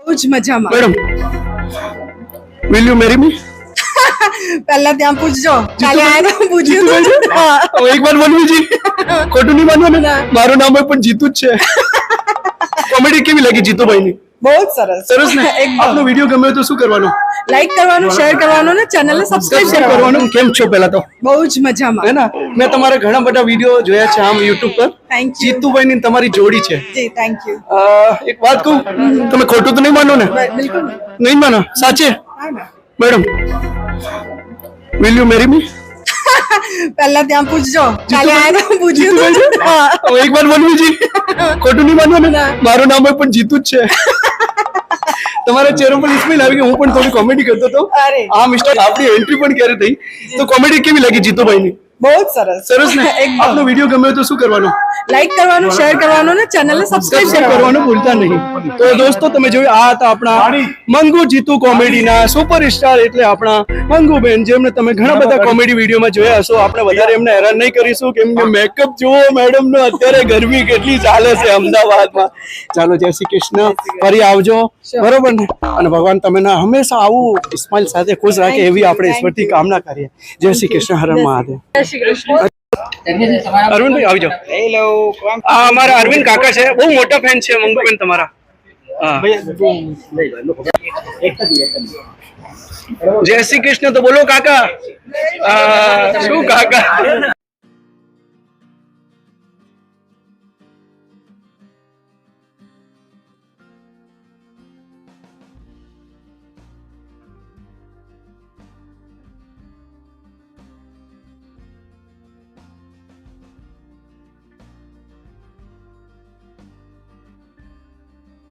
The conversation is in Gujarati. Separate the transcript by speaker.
Speaker 1: कुछ मजाમાં
Speaker 2: madam will you marry me
Speaker 1: પહેલા ત્યાં પૂછજો કાલે આયા તો પૂછ્યું હતું હા
Speaker 2: એક વાર બોલવું જી ખોટું નહીં માનવાનું ને મારું નામ પણ જીતુ જ છે કોમેડી કેવી લાગી જીતુભાઈની
Speaker 1: બહુ જ સરસ
Speaker 2: સરસ ને આપનો વિડિયો ગમ્યો તો શું કરવાનું
Speaker 1: લાઈક કરવાનું શેર કરવાનું ને ચેનલને સબસ્ક્રાઇબ
Speaker 2: કરવાનું કેમ છો પહેલા તો
Speaker 1: બહુ જ મજામાં
Speaker 2: હે ને મેં તમારા ઘણા બધા વિડિયો જોયા છે આમ YouTube પર
Speaker 1: થેન્ક યુ
Speaker 2: જીતુભાઈની તમારી જોડી છે
Speaker 1: જી થેન્ક યુ
Speaker 2: એક વાત કહું તમે ખોટું તો નહીં માનો ને
Speaker 1: બિલકુલ
Speaker 2: નહીં માનો સાચે
Speaker 1: હા ને
Speaker 2: madam will you marry me
Speaker 1: પહેલા ત્યાં પૂછજો કાલે આયા તો પૂછ્યું હતું હા
Speaker 2: એક વાર બોલવું જી ખોટું નહીં માનવાનું ને મારું નામ પણ જીતુ જ છે તમારા ચહેરા પર ઇસ્માઇલ આવી ગયો હું પણ થોડી કોમેડી કરતો હતો
Speaker 1: અરે
Speaker 2: આ મિસ્ટર આપણી એન્ટ્રી પણ ક્યારે થઈ તો કોમેડી કેવી લાગી જીતુભાઈની
Speaker 1: બહુ જ સરસ
Speaker 2: સરસ ને આપનો વિડિયો ગમ્યો તો શું કરવાનું
Speaker 1: લાઈક કરવાનું શેર કરવાનું ને ચેનલને સબસ્ક્રાઇબ
Speaker 2: કરવાનું ભૂલતા નહીં તો દોસ્તો તમે જોયું આ હતા આપણા મંગુ જીતુ કોમેડીના સુપરસ્ટાર એટલે આપણા મંગુબેન જેમને તમે ઘણા બધા કોમેડી વિડીયોમાં જોયા હશો આપણે વધારે એમને હેરાન નહીં કરીશું કેમ કે મેકઅપ જુઓ મેડમ નો અત્યારે ગરમી કેટલી ચાલે છે અમદાવાદમાં ચાલો જય શ્રી કૃષ્ણ ફરી આવજો બરોબર ને અને ભગવાન તમને હંમેશા આવું સ્માઇલ સાથે ખુશ રાખે એવી આપણે ઈશ્વરથી કામના કરીએ જય શ્રી કૃષ્ણ હર મહાદેવ અરવિંદભાઈ આવી જાઓ
Speaker 3: હેલો
Speaker 2: આ અમારા અરવિંદ કાકા છે બહુ મોટા ફેન છે મંગુબેન તમારા જય શ્રી કૃષ્ણ તો બોલો કાકા શું કાકા